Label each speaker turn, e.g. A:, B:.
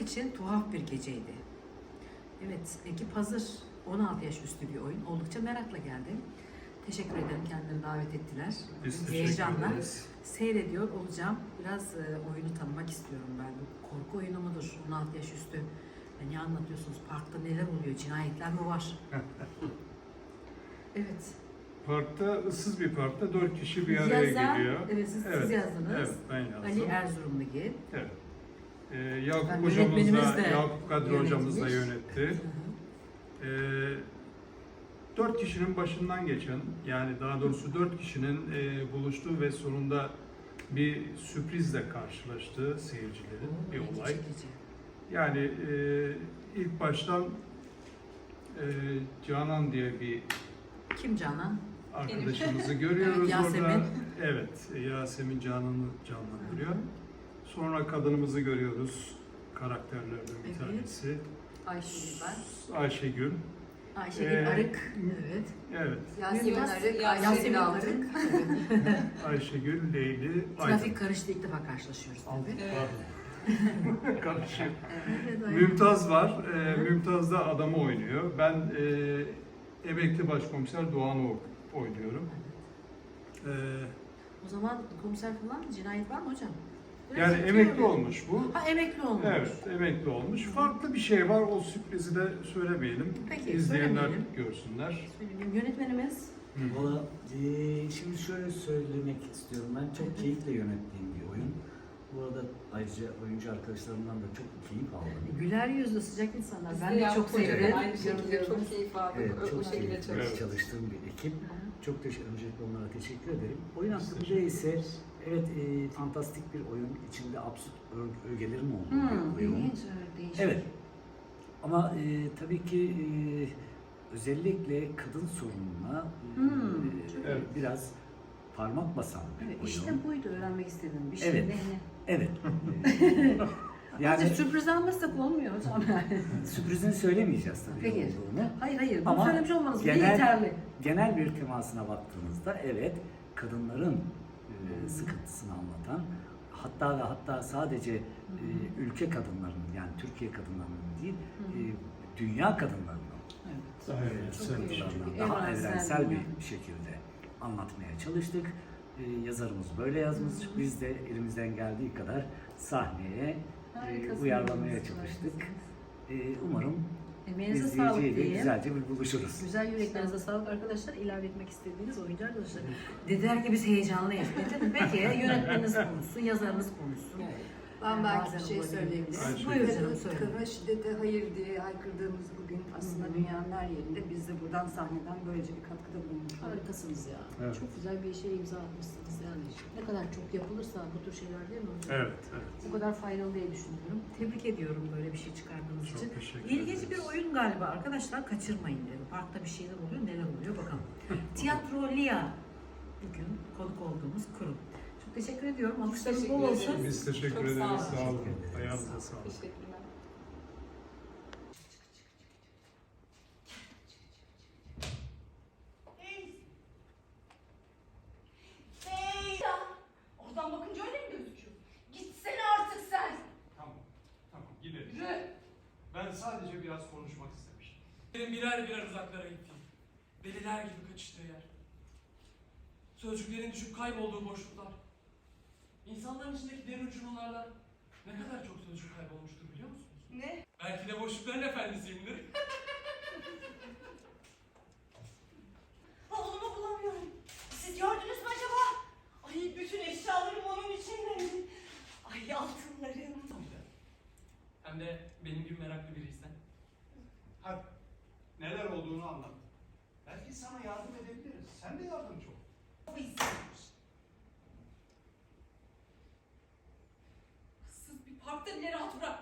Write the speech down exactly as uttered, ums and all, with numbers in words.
A: Çocuk için tuhaf bir geceydi. Evet, ekip hazır. on altı yaş üstü bir oyun. Oldukça merakla geldim. Teşekkür ederim. Kendilerini davet ettiler.
B: Biz teşekkür
A: Heyecanla
B: ederiz.
A: seyrediyor olacağım. Biraz e, oyunu tanımak istiyorum ben. Bu korku oyunu mudur? on altı yaş üstü. E, ne anlatıyorsunuz? Parkta neler oluyor? Cinayetler mi var? Evet.
B: Parkta, ıssız bir parkta dört kişi bir araya
A: Yazan,
B: geliyor.
A: evet siz,
B: Evet,
A: siz yazdınız.
B: Evet, ben yazdım.
A: Ali Erzurumlugi.
B: Evet. Ee, Yakup
A: Ben
B: hocamız
A: yönetmenimiz
B: da,
A: de
B: Yakup Kadri hocamız da
A: yönetmiş.
B: yönetti. Ee, dört kişinin başından geçen, yani daha doğrusu dört kişinin e, buluştuğu ve sonunda bir sürprizle karşılaştığı seyircilerin bir
A: İlgi
B: olay.
A: çekici.
B: Yani e, ilk baştan e, Canan diye bir
A: Kim Canan?
B: arkadaşımızı görüyoruz
A: Evet,
B: orada.
A: Yasemin.
B: Evet, Yasemin Canan'ı canlandırıyor. Sonra kadınımızı görüyoruz, karakterlerden bir
A: Evet.
B: tanesi.
A: Ayşegül ben.
B: Ayşegül.
A: Ayşegül
B: Ee,
A: Arık. Evet.
B: Evet,
C: Yasemin
A: Mümtaz-
C: Arık,
A: Yasemin
C: Yasemin
A: Arık.
C: Arık.
B: Ayşegül, Leyli, Aydın.
A: Trafik karıştı, ilk defa karşılaşıyoruz tabii.
B: Pardon. Karışık.
A: Evet, aynen.
B: Mümtaz var. Ee, Mümtaz da adamı oynuyor. Ben e, emekli başkomiser Doğan Oğuk oynuyorum. Ee,
A: O zaman komiser falan cinayet var mı hocam? Biraz
B: yani
A: yetiyor
B: emekli
A: mu?
B: olmuş bu.
A: Ha emekli olmuş.
B: Evet, emekli olmuş. Farklı bir şey var. O sürprizi de söylemeyelim.
A: Peki,
B: İzleyenler
A: söylemeyelim.
B: görsünler.
A: Söyleyeyim. Yönetmenimiz.
D: Valla eee, şimdi şöyle söylemek istiyorum. Ben çok keyifle yönettiğim bir oyun. Bu arada ayrıca oyuncu arkadaşlarımdan da çok keyif aldım.
A: Güler yüzlü sıcak insanlar.
C: Biz
A: Ben
C: de
A: de çok
C: Yakup Hoca'yla
A: sevdim.
C: Aynı şekilde
A: Görüyorum.
C: çok keyif aldık.
D: Evet,
C: o, o
D: çok
C: şekilde
D: keyifle
C: çalıştık.
D: çalıştığım bir ekip. Çok teşekkür, öncelikle onlara teşekkür ederim. Oyun hakkında ise evet eee, fantastik bir oyun. İçinde absürt ö- ögelerin olduğu
A: Hmm,
D: bir oyun.
A: ilginç, evet, değişik.
D: Evet. Ama eee, tabii ki eee, özellikle kadın sorununa eee,
A: Hmm, çok
B: Evet.
D: biraz parmak basan bir
A: Evet,
D: oyun.
A: işte buydu öğrenmek istediğim bir şey.
D: Evet.
A: Ne, ne?
D: Evet.
A: Yani
D: yani
A: sürpriz almazsak olmuyor hocam.
D: sürprizini söylemeyeceğiz tabii
A: Peki.
D: olduğunu.
A: Hayır hayır, bunu
D: Ama
A: söylemiş olmanız bile
D: genel-
A: yeterli.
D: Genel bir temasına baktığınızda evet kadınların e, sıkıntısını anlatan, hatta ve hatta sadece e, ülke kadınlarının, yani Türkiye kadınlarının değil, e, dünya kadınlarının
A: Evet.
B: Daha
D: e,
B: evrensel bir şey.
D: sıkıntılarını daha
A: Evrensel
D: evrensel
A: bir-
D: bir şekilde anlatmaya çalıştık. E, yazarımız böyle yazmış. Biz de elimizden geldiği kadar sahneye e,
A: Harikasınız.
D: uyarlamaya çalıştık. E, umarım
A: Emeğinize sağlık
D: izleyiciyle
A: diyeyim.
D: güzelce bir buluşuruz.
A: Güzel yüreklerinize sağlık arkadaşlar. İlave etmek istediğiniz oyuncu arkadaşlar. Dediler ki biz heyecanlıyız. E tabii, peki yönetmeniniz konuşsun, yazarınız konuşsun.
C: Ben belki
A: Bazen
C: bir şey
A: olabilir.
C: söyleyebilirim.
B: Ayşe.
A: Buyurun canım,
C: Kadın,
A: söyle.
C: kadına şiddete hayır diye haykırdığımız bugün aslında
A: Hı hı.
C: dünyanın her yerinde biz de buradan sahneden böylece bir katkıda bulunmuş olduk.
A: Harikasınız ya.
B: Evet.
A: Çok güzel bir şeye imza atmışsınız yani. Ne kadar çok yapılırsa bu tür şeyler değil mi hocam?
B: Evet, evet.
A: Bu kadar faydalı diye düşünüyorum. Tebrik ediyorum böyle bir şey çıkardığınız
B: Çok
A: için.
B: teşekkür
A: İlginç
B: ederiz.
A: bir oyun galiba arkadaşlar, kaçırmayın dedim. Parkta bir şeyler oluyor, neler oluyor bakalım. Tiyatro Lia bugün konuk olduğumuz kurum. Çok teşekkür ediyorum. Alkışlarınız
C: teşekkür
A: bol olsun.
C: ederiz.
B: Biz teşekkür
C: Çok
B: ederiz.
C: sağ olun.
B: Sağ olun.
D: Teşekkür ederiz.
B: Ayağınıza sağlık.
C: Teşekkürler.
E: Hey ya! Oradan bakınca öyle mi gözüküyor? Gitsene artık sen!
B: Tamam, tamam gidelim.
E: Yürü!
B: Ben sadece biraz konuşmak istemiştim.
F: Benim birer birer uzaklara gittiğim, deliler gibi kaçıştığı yer. Sözcüklerin düşüp kaybolduğu boşluklar. İnsanların içindeki derin uçurumlardan ne kadar çok sözcük kaybolmuştur biliyor musunuz?
E: Ne?
F: Belki de boşlukların efendisiyimdir.
E: Oğlumu bulamıyorum. Siz gördünüz mü acaba? Ay bütün eşyalarım onun içindeydi. Ay altınlarım.
F: Hem de benim gibi meraklı biriysen.
B: Hadi, neler olduğunu anlat. Belki sana yardım edebiliriz. Sen de yardımcı ol.
E: Bu izlenmiş. Issız bir parkta bile rahat bırak.